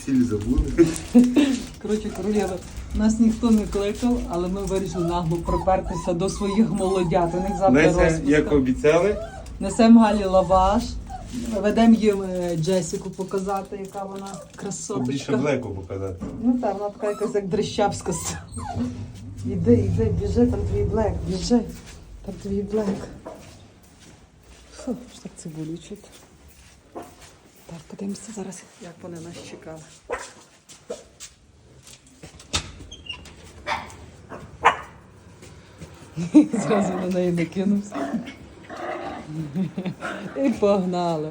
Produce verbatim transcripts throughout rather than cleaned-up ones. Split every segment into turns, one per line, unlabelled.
Сіль забули.
Коротше, королєва, нас ніхто не кликав, але ми вирішили нагло припертися до своїх молодят. У них завтра
Леся,
розпуска.
як обіцяли,
Несемо Галі лаваш, ведемо їм е, Джесіку показати, яка вона
більше
красоточка.
блеку показати.
Ну так, вона така якась як дрищавська. Іди, іди, біжи, там твій блек, біжи. Там твій блек. Фу, ж так цибулю чути. Так, подивимося зараз, як вони нас чекали. Зразу на неї накинувся. І погнали.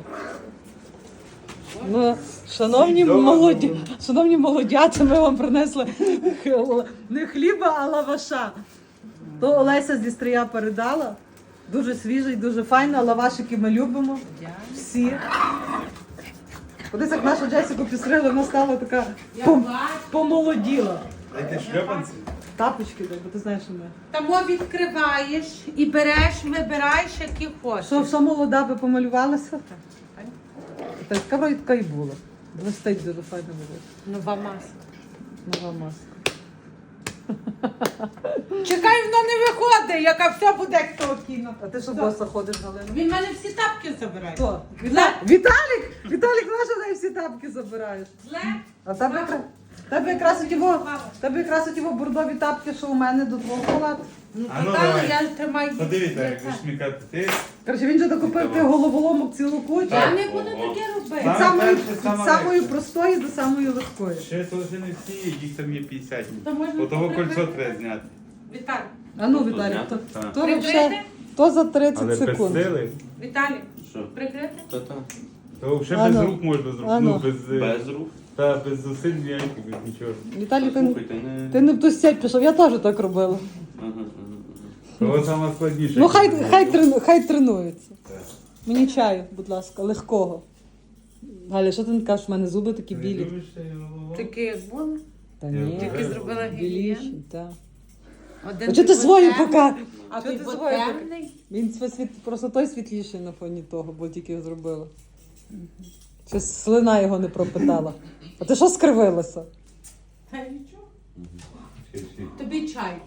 Ну, шановні молоді, шановні молодята, ми вам принесли х- не хліба, а лаваша. То Олеся зі стрия передала. Дуже свіжий, дуже файно. Лавашики ми любимо. Всі. Кудись як нашу Джесіку підстригли, вона стала така пом- помолоділа.
Дайте шльопанці.
Тапочки, дай, бо ти знаєш, що ми.
Тому відкриваєш і береш, вибираєш, які хочеш.
Що, що молода би помалювалася? Так, така вроді така і була. Блистить дуже файно було.
Нова маска.
Нова маска.
Чекай, воно не виходить, яка все буде як того кіно.
А ти що
Хто?
боса ходиш, Галина?
Він в мене всі тапки забирає.
Хто? Віта... Віталік! Віталік наш, неї всі тапки забираєш.
Зле?
А в тебе, якраз- в тебе якраз у тіво, в тебе якраз у тіво бордові тапки, що у мене до твого халату.
Ну,
А ну,
то там
давай.
я тримаю.
Подивіться, як ви шмікати. Ти
Коротше, він же докупив ти головоломок цілу кучу.
Я не буду таке робити.
Від
Саме
самої,
перше,
від
саме
самої
легше.
простої до самої легкої.
ще теж не всі, їх там є п'ятдесят.
То можна
Отого
прикрити.
кольцо треба зняти.
Віталій,
А ну, Віталік, то,
Так.
то,
Прикрити?
вообще- то за тридцять
Але без
секунд.
сили,
Віталій,
Що?
прикрити?
Та-та.
то взагалі без
Ано.
рук можна зробити.
Ано.
Ну, без, е,
Без рук.
та, без зусиль ніяких, без нічого.
Віталій, ти,
Слухайте, не...
ти не в ту сеть пішов, я теж так робила.
Ага, ага,
Того саме складніше.
Ну хай, хай, трену, хай тренується. Мені чаю, будь ласка, легкого. Галя, що ти не кажеш, в мене зуби такі білі.
Такі як були.
Та
Я
ні,
вже-
Тільки зробила
біліші,
гігієн.
так.
Один
А чого ти
був
свою
темний,
пока?
А
Чого
ти
ти
був
свою пока?
темний.
Він свій світ, просто той світліший на фоні того, бо тільки зробила. Щось слина його не пропитала. А ти що скривилася?
Та нічого. Тобі чай.